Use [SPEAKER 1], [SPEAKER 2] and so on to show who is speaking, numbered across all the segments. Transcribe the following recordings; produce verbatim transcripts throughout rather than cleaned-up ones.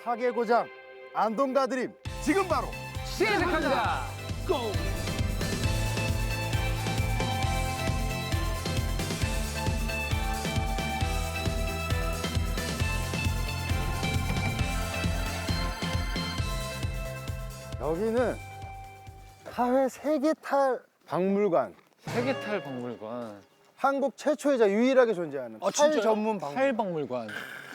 [SPEAKER 1] 파괴 고장 안동가 드림 지금 바로
[SPEAKER 2] 시작합니다. 고!
[SPEAKER 1] 여기는 하회 세계탈 박물관,
[SPEAKER 2] 세계탈 박물관.
[SPEAKER 1] 한국 최초이자 유일하게 존재하는
[SPEAKER 2] 아,
[SPEAKER 1] 탈
[SPEAKER 2] 진짜요?
[SPEAKER 1] 전문 박물관.
[SPEAKER 2] 탈 박물관.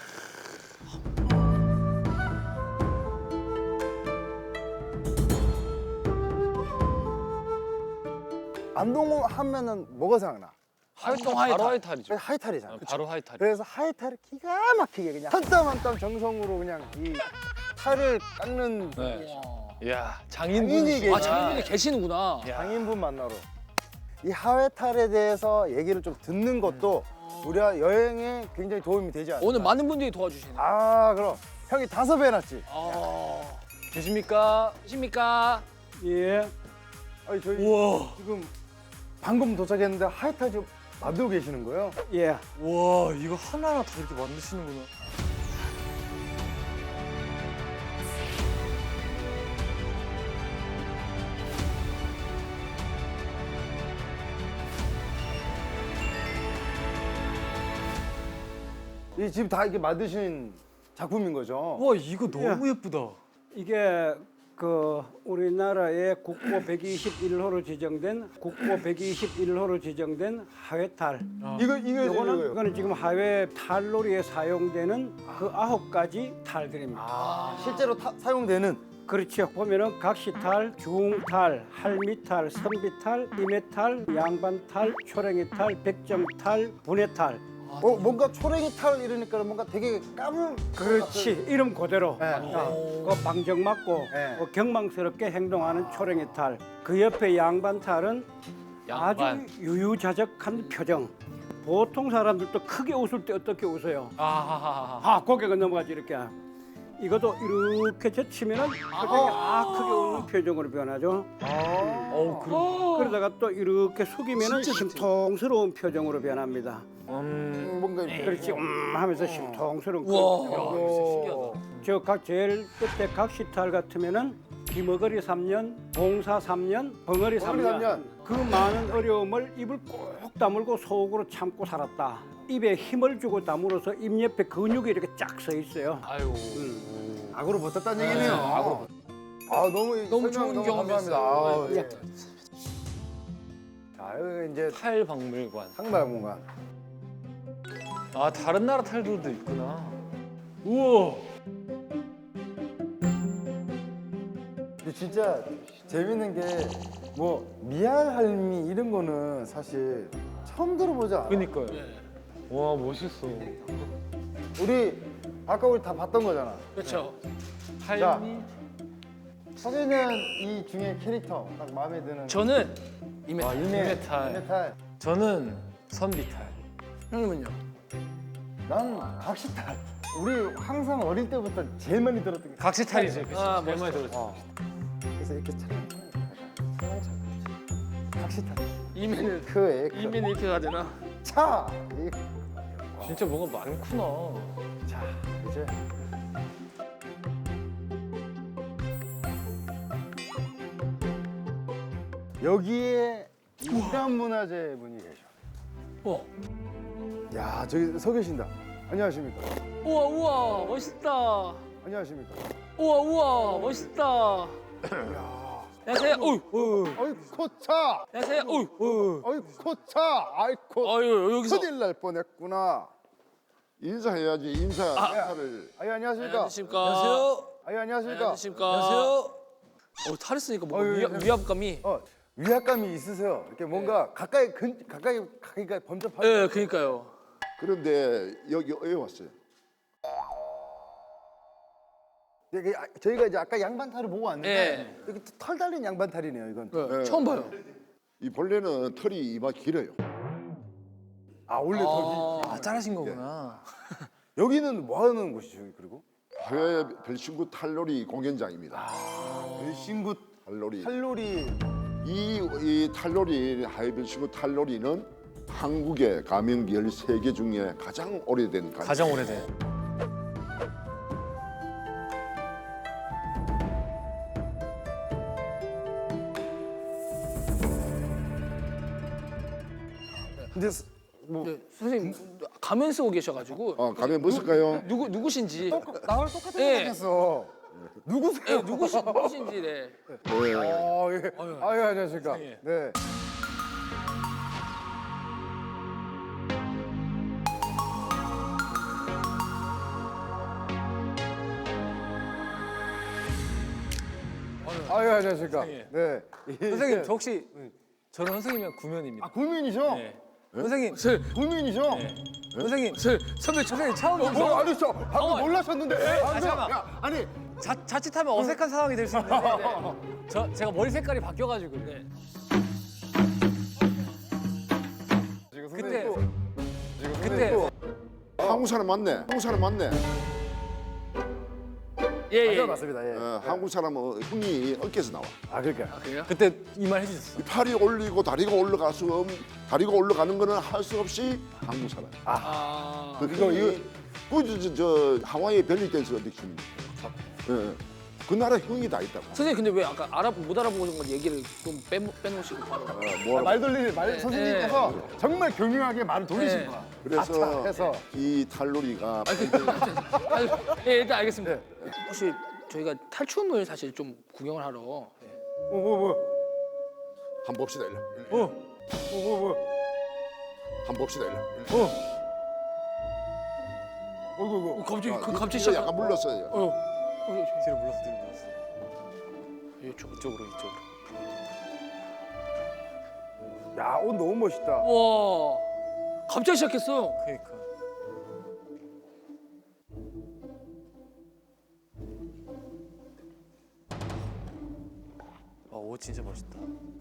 [SPEAKER 1] 안동 하면은 뭐가 생각나?
[SPEAKER 2] 활동 바로 하이탈이죠.
[SPEAKER 1] 하이탈이잖아.
[SPEAKER 2] 어, 바로 하이탈.
[SPEAKER 1] 그래서 하이탈을 기가 막히게 그냥 한 땀 한 땀 정성으로 그냥 이 탈을 깎는
[SPEAKER 2] 네. 이야, 장인분.
[SPEAKER 1] 장인이 계시-
[SPEAKER 3] 아, 장인분이 계시는구나.
[SPEAKER 2] 야.
[SPEAKER 1] 장인분 만나러 이 하회탈에 대해서 얘기를 좀 듣는 것도 우리가 여행에 굉장히 도움이 되지 않을까.
[SPEAKER 3] 오늘 많은 분들이 도와주시네.
[SPEAKER 1] 아 그럼 형이 다섯 배 해놨지.
[SPEAKER 3] 아,
[SPEAKER 2] 계십니까?
[SPEAKER 3] 계십니까?
[SPEAKER 1] 예. 아니 저희
[SPEAKER 2] 우와.
[SPEAKER 1] 지금 방금 도착했는데 하회탈 좀 만들고 계시는 거예요? 예.
[SPEAKER 2] 와, 이거 하나하나 다 이렇게 만드시는구나.
[SPEAKER 1] 이 지금 다 이렇게 만드신 작품인 거죠?
[SPEAKER 2] 와, 이거 너무 예쁘다.
[SPEAKER 4] 이게 그 우리나라의 국보 백이십일 호로 지정된 국보 백이십일 호로 지정된 하회탈.
[SPEAKER 1] 이거 이거
[SPEAKER 4] 이거는
[SPEAKER 1] 이거요.
[SPEAKER 4] 이거는 지금 하회 탈놀이에 사용되는 그 아홉 가지 탈들입니다.
[SPEAKER 1] 아, 실제로 타, 사용되는
[SPEAKER 4] 그렇죠. 보면은 각시탈, 중탈, 할미탈, 선비탈, 이매탈, 양반탈, 초랭이탈, 백정탈, 분해탈.
[SPEAKER 1] 어 뭔가 초랭이 탈 이러니까 뭔가 되게 까문.
[SPEAKER 4] 그렇지. 이름 그대로.
[SPEAKER 1] 네.
[SPEAKER 4] 어, 그 방정 맞고
[SPEAKER 1] 네.
[SPEAKER 4] 어, 경망스럽게 행동하는 초랭이탈. 그 옆에 양반탈은
[SPEAKER 2] 양반.
[SPEAKER 4] 아주 유유자적한 표정. 보통 사람들도 크게 웃을 때 어떻게 웃어요?
[SPEAKER 2] 아하하하.
[SPEAKER 4] 아, 고개가 넘어가지 이렇게. 이것도 이렇게 젖히면은 표정이 아 크게 웃는 표정으로 변하죠.
[SPEAKER 2] 어우, 그럼.
[SPEAKER 4] 그러다가 또 이렇게 숙이면은 심통스러운 표정으로 변합니다.
[SPEAKER 2] 음.
[SPEAKER 1] 뭔가 이렇게.
[SPEAKER 4] 그렇지, 음 하면서 심통스러운 그런
[SPEAKER 3] 우와.
[SPEAKER 4] 표정.
[SPEAKER 1] 어.
[SPEAKER 4] 저 각 제일 끝에 각시탈 같으면은 기머거리 삼 년, 봉사 삼 년, 벙어리 삼
[SPEAKER 1] 벙어리 삼 년.
[SPEAKER 4] 년. 그 많은 어려움을 입을 꼭 다물고 속으로 참고 살았다. 입에 힘을 주고 다물어서 입 옆에 근육이 이렇게 쫙 서 있어요.
[SPEAKER 2] 아유.
[SPEAKER 1] 악으로 버텼다는 얘기네요. 악으로. 아 너무
[SPEAKER 3] 너무
[SPEAKER 1] 설명
[SPEAKER 3] 좋은
[SPEAKER 1] 너무
[SPEAKER 3] 경험이었어요.
[SPEAKER 1] 감사합니다. 아,
[SPEAKER 4] 예.
[SPEAKER 1] 예. 자 여기 이제
[SPEAKER 2] 탈 박물관.
[SPEAKER 1] 상박물관.
[SPEAKER 2] 아, 다른 나라 탈들도 있구나. 우와.
[SPEAKER 1] 근데 진짜 재밌는 게 뭐 미알할미 이런 거는 사실 처음 들어보지 않아.
[SPEAKER 2] 그니까요. 와, 멋있어.
[SPEAKER 1] 우리 아까 우리 다 봤던 거잖아.
[SPEAKER 3] 그렇죠.
[SPEAKER 2] 할미.
[SPEAKER 1] 서기는 이 중에 캐릭터 딱 마음에 드는.
[SPEAKER 3] 저는 이메.
[SPEAKER 1] 아, 이메,
[SPEAKER 2] 이메탈.
[SPEAKER 1] 이메탈.
[SPEAKER 2] 저는 선비탈.
[SPEAKER 3] 형님은요?
[SPEAKER 1] 난 각시탈. 우리 항상 어릴 때부터 제일 많이 들었던 게.
[SPEAKER 2] 각시탈이지. 그치?
[SPEAKER 3] 아,
[SPEAKER 2] 제일 많이 들었지.
[SPEAKER 1] 어. 그래서 이렇게 찰랑찰랑 찰랑찰랑 각시탈.
[SPEAKER 3] 이메는
[SPEAKER 1] 그에 그
[SPEAKER 3] 이메는 이렇게 가야 되나?
[SPEAKER 1] 차. 이-
[SPEAKER 2] 진짜 뭐가 많구나.
[SPEAKER 1] 자 이제 여기에 이단 문화재 분이 계셔.
[SPEAKER 3] 우와.
[SPEAKER 1] 야 저기 서 계신다. 안녕하십니까.
[SPEAKER 3] 우와 우와 멋있다.
[SPEAKER 1] 안녕하십니까.
[SPEAKER 3] 우와 우와 멋있다.
[SPEAKER 1] 야.
[SPEAKER 3] 안녕하세요. 어이.
[SPEAKER 1] 어이 코차.
[SPEAKER 3] 안녕하세요. 어이.
[SPEAKER 1] 어이 코차. 아이코.
[SPEAKER 3] 아유 여기서.
[SPEAKER 1] 큰일 날 뻔했구나.
[SPEAKER 5] 인사해야지 인사 인사를
[SPEAKER 1] 아유 안녕하십니까.
[SPEAKER 3] 안녕하십니까. 안녕하세요.
[SPEAKER 1] 아유 안녕하십니까.
[SPEAKER 3] 안녕하십니까. 안녕하세요. 어 탈을 쓰니까 뭔가
[SPEAKER 1] 어이,
[SPEAKER 3] 위압,
[SPEAKER 1] 어이.
[SPEAKER 3] 위압감이.
[SPEAKER 1] 어 위압감이 있으세요. 이렇게 뭔가 가까이 근 가까이 가까이 범접하기.
[SPEAKER 3] 예, 그러니까요.
[SPEAKER 5] 그런데 여기 왜 왔어요?
[SPEAKER 1] 이게 아- 저희가 이제 아까 양반탈을 보고 왔는데
[SPEAKER 3] 예.
[SPEAKER 1] 여기 털 달린 양반탈이네요. 이건.
[SPEAKER 3] 네,
[SPEAKER 5] 네.
[SPEAKER 3] 처음 봐요.
[SPEAKER 5] 이 벌레는 털이 이마 길어요.
[SPEAKER 1] 아 원래 털이.
[SPEAKER 2] 아, 자르신 거구나.
[SPEAKER 1] 여기는 뭐 하는 곳이죠? 그리고
[SPEAKER 5] 해외 별신구 탈놀이 공연장입니다.
[SPEAKER 1] 별신구
[SPEAKER 5] 탈놀이.
[SPEAKER 1] 탈놀이.
[SPEAKER 5] 이, 이 탈놀이 해외 별신구 탈놀이는 한국의 가명기 열세 개 중에 가장 오래된 가명.
[SPEAKER 2] 가장 오래된.
[SPEAKER 1] 근데 스- 뭐
[SPEAKER 3] 네, 선생님 가면 쓰고 계셔가지고
[SPEAKER 5] 어, 가면 뭐 쓸까요?
[SPEAKER 3] 누구 누구신지.
[SPEAKER 1] 나랑 똑같은
[SPEAKER 3] 예.
[SPEAKER 1] 생각했어. 누구세요?
[SPEAKER 3] 네, 누구시, 누구신지. 네.
[SPEAKER 5] 네.
[SPEAKER 1] 어, 예. 아유, 안녕하십니까.
[SPEAKER 3] 예.
[SPEAKER 1] 네. 아유, 안녕하십니까.
[SPEAKER 2] 예.
[SPEAKER 1] 네.
[SPEAKER 2] 선생님 저 혹시 저는 선생님이랑 구면입니다.
[SPEAKER 1] 아, 구민이죠?
[SPEAKER 2] 네. 선생님,
[SPEAKER 3] 설,
[SPEAKER 1] 구민이죠?
[SPEAKER 2] 선생님,
[SPEAKER 3] 설, 선배 저,
[SPEAKER 2] 선생님 처음
[SPEAKER 1] 어,
[SPEAKER 2] 보세요.
[SPEAKER 1] 뭐, 아니, 저 방금
[SPEAKER 3] 어,
[SPEAKER 1] 놀라셨는데.
[SPEAKER 2] 아,
[SPEAKER 1] 방금.
[SPEAKER 2] 잠깐만.
[SPEAKER 1] 야, 아니,
[SPEAKER 2] 자, 자칫하면 어색한 상황이 될 수 있는데 저 제가 머리 색깔이 바뀌어가지고 네.
[SPEAKER 1] 지금
[SPEAKER 2] 그때
[SPEAKER 1] 선생님 또, 지금 선생님
[SPEAKER 2] 그때
[SPEAKER 1] 또.
[SPEAKER 5] 한국 사람 맞네. 한국 사람 맞네.
[SPEAKER 3] 예,
[SPEAKER 1] 아,
[SPEAKER 3] 예.
[SPEAKER 1] 네, 맞습니다. 예.
[SPEAKER 5] 어, 한국 사람은 흥이 어깨에서 나와.
[SPEAKER 1] 아, 그러니까.
[SPEAKER 3] 그래요?
[SPEAKER 2] 그때 이 말 해주셨어.
[SPEAKER 5] 이 팔이 올리고 다리가 올라가서 음, 다리가 올라가는 거는 할 수 없이 한국 사람.
[SPEAKER 3] 아,
[SPEAKER 5] 그 이거 이거 그 저, 저 하와이 벨리 댄스 어딕션. 예. 그 나라 흥이 다 있다고.
[SPEAKER 3] 선생님 근데 왜 아까 알아 못 알아보는 건 얘기를 좀 빼, 빼놓으시고 바로.
[SPEAKER 5] 어,
[SPEAKER 1] 아,
[SPEAKER 5] 뭐
[SPEAKER 1] 말 돌리는 말
[SPEAKER 3] 네,
[SPEAKER 1] 선생님께서 정말 교묘하게 말을 돌리신
[SPEAKER 3] 네.
[SPEAKER 1] 거야.
[SPEAKER 5] 그래서
[SPEAKER 1] 아차 해서.
[SPEAKER 5] 이 탈놀이가
[SPEAKER 3] 아, 예, 일단 알겠습니다. 혹시 저희가 탈춤을 사실 좀 구경을 하러.
[SPEAKER 1] 어, 뭐, 뭐,
[SPEAKER 5] 한 봅시다 일로.
[SPEAKER 1] 어, 어, 뭐, 뭐,
[SPEAKER 5] 한 봅시다 일로.
[SPEAKER 1] 어. 어이구,
[SPEAKER 3] 어,
[SPEAKER 1] 어이구.
[SPEAKER 3] 갑자기 그
[SPEAKER 5] 이-
[SPEAKER 3] 갑자기
[SPEAKER 5] 이거
[SPEAKER 3] 시작.
[SPEAKER 5] 약간 물렀어요.
[SPEAKER 3] 어, 어,
[SPEAKER 2] 뒤로 물렀어, 뒤로 물렀어.
[SPEAKER 3] 이쪽.
[SPEAKER 2] 이쪽으로, 이쪽으로.
[SPEAKER 1] 야, 옷 너무 멋있다.
[SPEAKER 3] 와, 갑자기 시작했어요.
[SPEAKER 2] 그러니까. 아, 옷 진짜 멋있다.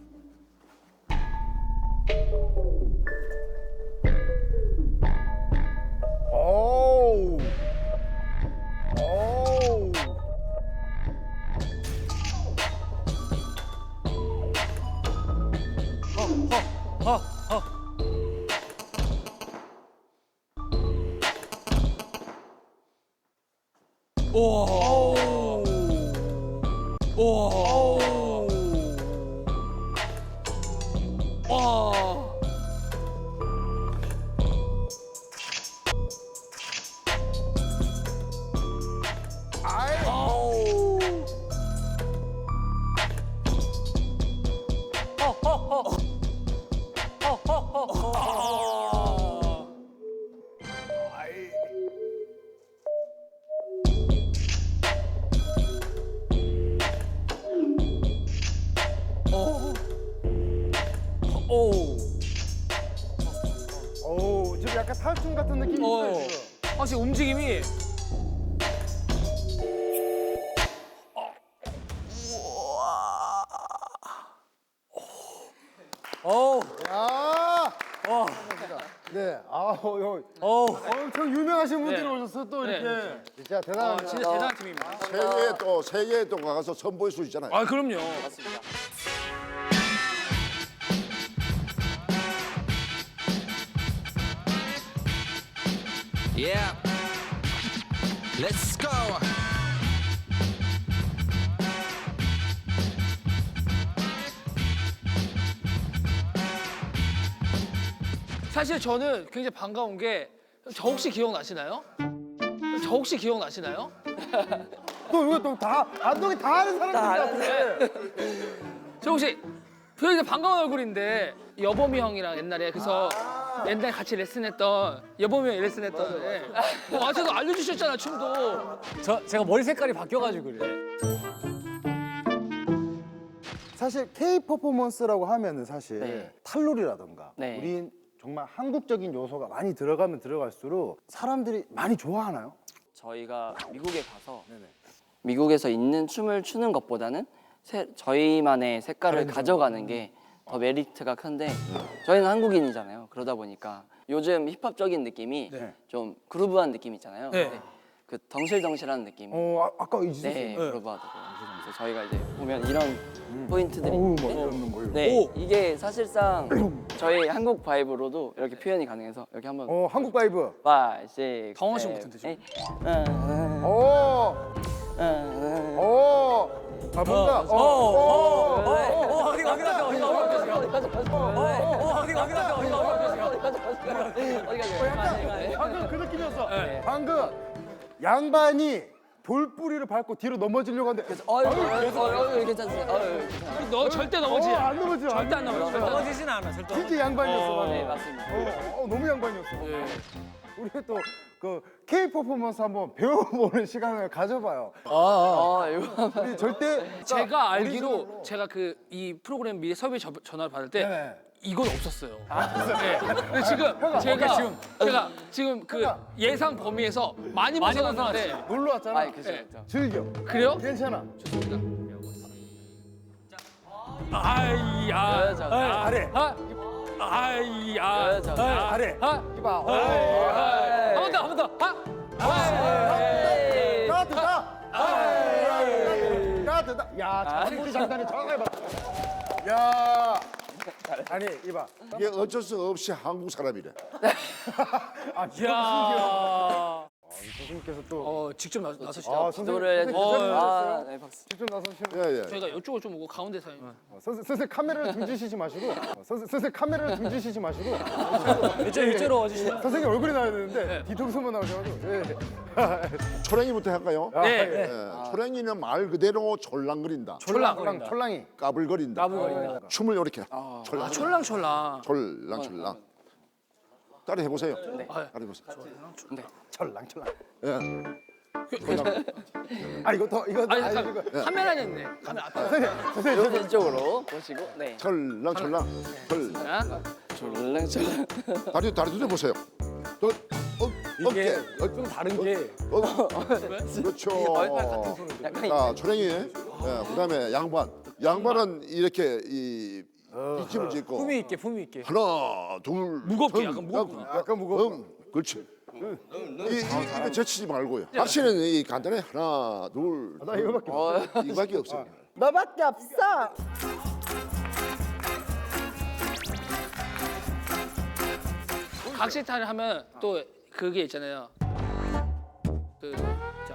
[SPEAKER 1] 오우. 오우.
[SPEAKER 2] 아, 아.
[SPEAKER 3] 오, 오, 와. 아우. 아. 오.
[SPEAKER 1] 오, 지금 약간 탈춤 같은 느낌이
[SPEAKER 3] 어.
[SPEAKER 1] 있어요. 지금.
[SPEAKER 3] 확실히 움직임이.
[SPEAKER 2] 어우,
[SPEAKER 1] 야.
[SPEAKER 2] 어,
[SPEAKER 1] 네. 아, 어, 어,
[SPEAKER 2] 어우.
[SPEAKER 1] 엄청 유명하신 분들이
[SPEAKER 3] 네.
[SPEAKER 1] 오셨어 또
[SPEAKER 3] 네.
[SPEAKER 1] 이렇게. 진짜
[SPEAKER 3] 아,
[SPEAKER 1] 대단합니다.
[SPEAKER 3] 진짜 대단한 팀입니다.
[SPEAKER 5] 세계에 또 세계에 또 가서 선보일 수 있잖아요.
[SPEAKER 3] 아, 그럼요.
[SPEAKER 6] Yeah. Let's go.
[SPEAKER 3] 사실 저는 굉장히 반가운 게 저 혹시 기억나시나요? 저 혹시 기억나시나요?
[SPEAKER 1] 또 이거 또 다 감독이 다 아는 사람들 같아.
[SPEAKER 3] 저 혹시 굉장히 반가운 얼굴인데 여범이 형이랑 옛날에 그래서 옛날에 같이 레슨했던 여범이 형이 레슨했던 예. 뭐 와서도 알려주셨잖아 춤도.
[SPEAKER 2] 저 제가 머리 색깔이 바뀌어가지고 그래.
[SPEAKER 1] 사실 K 퍼포먼스라고 하면은 사실
[SPEAKER 7] 네.
[SPEAKER 1] 탈놀이라던가
[SPEAKER 7] 네.
[SPEAKER 1] 우린 정말 한국적인 요소가 많이 들어가면 들어갈수록 사람들이 많이 좋아하나요?
[SPEAKER 7] 저희가 미국에 가서
[SPEAKER 1] 네네.
[SPEAKER 7] 미국에서 있는 춤을 추는 것보다는 새- 저희만의 색깔을 가져가는 게 더 메리트가 큰데 저희는 한국인이잖아요. 그러다 보니까 요즘 힙합적인 느낌이
[SPEAKER 1] 네.
[SPEAKER 7] 좀 그루브한 느낌 있잖아요.
[SPEAKER 3] 네.
[SPEAKER 7] 근데 그 덩실덩실한 느낌.
[SPEAKER 1] 어, 아, 아까 있으셨어요.
[SPEAKER 7] 네, 그루브하다고. 그래서 저희가 이제 보면 이런 포인트들이
[SPEAKER 1] 어우,
[SPEAKER 7] 있는데
[SPEAKER 1] 뭐 이런 거 이거.
[SPEAKER 7] 네, 이게 사실상 저희 한국 바이브로도 이렇게 표현이 가능해서 여기 한번
[SPEAKER 1] 어, 한국 바이브.
[SPEAKER 7] five, six,
[SPEAKER 3] 당황하신
[SPEAKER 7] seven,
[SPEAKER 3] 것 같은데, 지금.
[SPEAKER 7] eight. 어,
[SPEAKER 1] 오,
[SPEAKER 7] 어, 어.
[SPEAKER 1] 오. 아, 뭔가. 어,
[SPEAKER 2] 어, 어,
[SPEAKER 1] 어,
[SPEAKER 2] 어, 어, 어디 어디 가세요? 어디 어디 가세요? 어, 어, 어디 어디 가세요? 어디 어디 가세요?
[SPEAKER 7] 어디 가세요?
[SPEAKER 1] 방금 그 느낌이었어.
[SPEAKER 3] 네.
[SPEAKER 1] 방금 양반이 돌뿌리를 밟고 뒤로 넘어지려고 하는데
[SPEAKER 7] 어유, 어유, 어유, 괜찮으세요? 어유, 괜찮아요.
[SPEAKER 3] 너 절대 넘어지.
[SPEAKER 1] 어, 안 넘어져.
[SPEAKER 3] 절대 안 넘어져. 절대 안 넘어져.
[SPEAKER 2] 넘어지진 않아 절대.
[SPEAKER 1] 진짜 양반이었어. 방금.
[SPEAKER 7] 네, 맞습니다.
[SPEAKER 1] 어, 어, 너무 양반이었어. 우리 또 그 K 퍼포먼스 한번 배워보는 시간을 가져봐요.
[SPEAKER 7] 아, 이거
[SPEAKER 1] 우리 절대
[SPEAKER 3] 제가 알기로 제가 그 이 프로그램 미리 섭외 저- 전화를 받을 때
[SPEAKER 1] 네.
[SPEAKER 3] 이건 없었어요. 네. 근데 지금 제가 지금 제가 지금 그 예상 범위에서 많이 벗어났는데
[SPEAKER 1] 놀러 왔잖아.
[SPEAKER 7] 아, 그죠,
[SPEAKER 3] 네.
[SPEAKER 7] 그죠.
[SPEAKER 1] 즐겨.
[SPEAKER 3] 그래요?
[SPEAKER 1] 괜찮아.
[SPEAKER 3] 아이야.
[SPEAKER 7] 여자.
[SPEAKER 1] 아래.
[SPEAKER 3] 아, 아이야.
[SPEAKER 7] 여자.
[SPEAKER 1] 아래.
[SPEAKER 3] 아,
[SPEAKER 1] 이봐.
[SPEAKER 3] 한번 더, 한 번 더. 아,
[SPEAKER 1] 따뜻다. 따뜻다. 야, 장구리 장단이 정확하게 맞. 야. 아니 이봐.
[SPEAKER 5] 이게 어쩔 수 없이 한국 사람이래.
[SPEAKER 1] 아,
[SPEAKER 3] 야.
[SPEAKER 1] 선생님께서 또.
[SPEAKER 3] 어, 직접 나, 나서시죠.
[SPEAKER 1] 아, 선생님.
[SPEAKER 7] 기도를
[SPEAKER 1] 선생님
[SPEAKER 3] 어,
[SPEAKER 1] 직접
[SPEAKER 7] 아,
[SPEAKER 1] 나섰어요?
[SPEAKER 7] 네, 박수.
[SPEAKER 1] 직접 나서시면.
[SPEAKER 5] 예, 예.
[SPEAKER 3] 저희가 이쪽을 좀 오고 가운데 서.
[SPEAKER 1] 어, 선생, 선생님 카메라를 등지시지 마시고. 어, 선생, 선생님 카메라를 등지시지 마시고.
[SPEAKER 2] 이쪽 이쪽으로 와주시면.
[SPEAKER 1] 선생님 얼굴이 나와야 되는데 뒤통수만 나오셔가지고. 예.
[SPEAKER 5] 초랭이부터 할까요?
[SPEAKER 1] 아,
[SPEAKER 3] 네.
[SPEAKER 1] 예.
[SPEAKER 5] 예. 초랭이는 말 그대로 졸랑거린다.
[SPEAKER 1] 촐랑 촐랑 촐랑이.
[SPEAKER 5] 까불거린다.
[SPEAKER 2] 까불거린다.
[SPEAKER 5] 춤을 이렇게
[SPEAKER 3] 아,
[SPEAKER 5] 졸랑
[SPEAKER 3] 촐랑촐랑.
[SPEAKER 5] 졸랑 졸랑. 따라 해보세요.
[SPEAKER 3] 아,
[SPEAKER 5] 따라 해보세요.
[SPEAKER 1] 촐랑 촐랑.
[SPEAKER 5] 예.
[SPEAKER 1] 아 이거 더 이거
[SPEAKER 3] 아니,
[SPEAKER 1] 아,
[SPEAKER 3] 잠깐,
[SPEAKER 1] 이거.
[SPEAKER 3] 카메라였네. 카메라 앞에.
[SPEAKER 7] 이렇게 이쪽으로 보시고, 네.
[SPEAKER 5] 졸랑 졸랑. 졸.
[SPEAKER 3] 자,
[SPEAKER 7] 졸랑졸랑.
[SPEAKER 5] 다리 다리 들어 보세요. 또 어, 어깨. 어,
[SPEAKER 2] 좀 다른 게.
[SPEAKER 5] 어, 그렇죠.
[SPEAKER 7] 약간
[SPEAKER 5] 자, 초랭이. 예, 그다음에 양반. 양반은 이렇게 이 뒷집을 짓고
[SPEAKER 2] 품위 있게 품위 있게.
[SPEAKER 5] 하나, 둘,
[SPEAKER 3] 무겁게,
[SPEAKER 5] 셋,
[SPEAKER 3] 약간 무겁게.
[SPEAKER 1] 약간 무거워.
[SPEAKER 5] 응, 그렇지. 이, 이, 입에 제치지 말고요. 확실은 이 간단해. 하나, 둘,
[SPEAKER 1] 나 이거밖에 없어.
[SPEAKER 5] 이거밖에 없어요.
[SPEAKER 1] 너밖에 없어.
[SPEAKER 3] 각시탈을 하면 또 그게 있잖아요. 그, 자.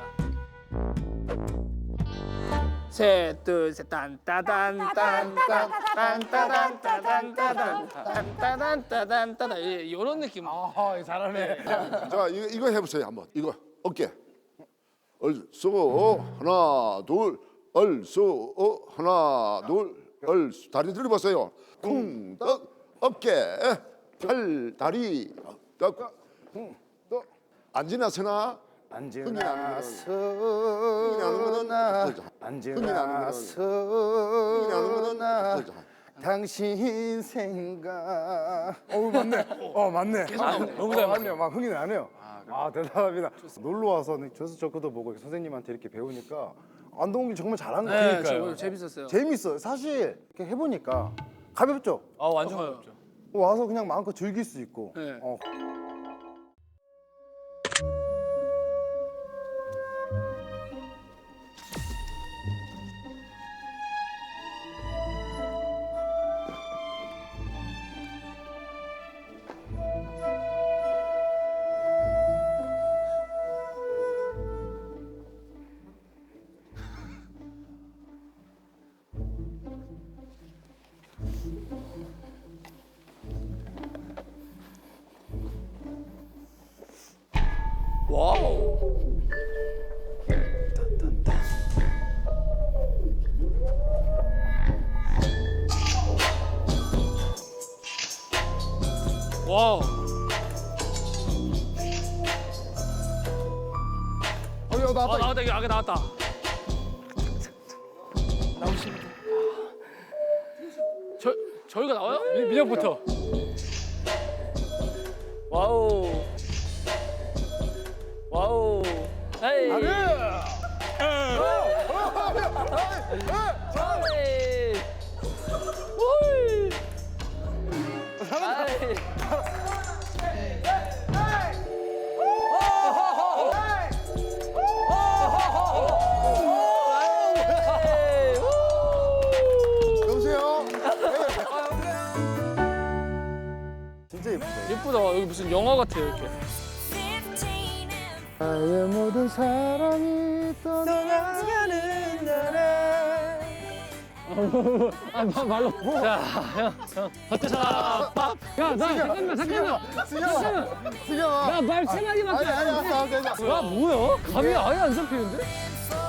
[SPEAKER 3] 셋, 둘, 셋, 딴, 따단, 딴, 딴, 딴, 따단, 따단, 따단, 딴, 따단, 따단, 따단. 이런 느낌.
[SPEAKER 1] 아 잘하네.
[SPEAKER 5] 자, 이거, 이거 해보세요 한번. 이거 어깨. 얼쏘 하나, 둘, 얼쏘 하나, 둘, 얼쏘. 다리 들어보세요. 쿵떡 어깨, 팔, 다리, 떡, 또 앉으나 서나.
[SPEAKER 1] 안지나
[SPEAKER 5] 거는
[SPEAKER 1] 서나 안지나
[SPEAKER 5] 거는
[SPEAKER 1] 서나
[SPEAKER 5] 거죠.
[SPEAKER 1] 당신 생각. 어 맞네. 어 맞네. 너무 잘 맞네요. 막 흥이 나네요. 아 대단합니다. 놀러 와서 저수 저크도 보고 선생님한테 이렇게 배우니까 안동욱이 정말 잘한
[SPEAKER 3] 네,
[SPEAKER 1] 거예요.
[SPEAKER 3] 저 재밌었어요.
[SPEAKER 1] 재밌어요. 사실 이렇게 해보니까 가볍죠.
[SPEAKER 2] 아 완전 가볍죠.
[SPEAKER 1] 와서 그냥 마음껏 즐길 수 있고.
[SPEAKER 3] 네.
[SPEAKER 1] 어.
[SPEAKER 3] 와우. 와우.
[SPEAKER 1] 어, 야,
[SPEAKER 3] 아,
[SPEAKER 1] 나왔다.
[SPEAKER 3] 나왔다. 이게 아까 나왔다. 저 저희가 나와요?
[SPEAKER 2] 민혁부터.
[SPEAKER 7] 와우. 와우. 헤이. 헤이. 우이. 아이. 헤이. 우.
[SPEAKER 1] 여보세요? 진짜 예쁘다.
[SPEAKER 3] 예쁘다. 여기 무슨 영화 같아요, 이렇게.
[SPEAKER 1] 나의 모든 사랑이 떠나가는 날에
[SPEAKER 2] 아, 마- 말로. 자, 형, 형. 어때서? 밥. 야, 나 잠깐만, 잠깐만.
[SPEAKER 1] 승영아 승영아
[SPEAKER 2] 나 말 세 마디밖에
[SPEAKER 1] 아니 아니
[SPEAKER 2] 안
[SPEAKER 1] 알았어
[SPEAKER 2] 했는데.
[SPEAKER 1] 알았어 알았어
[SPEAKER 2] 야, 뭐야? 감이 아예 안 잡히는데?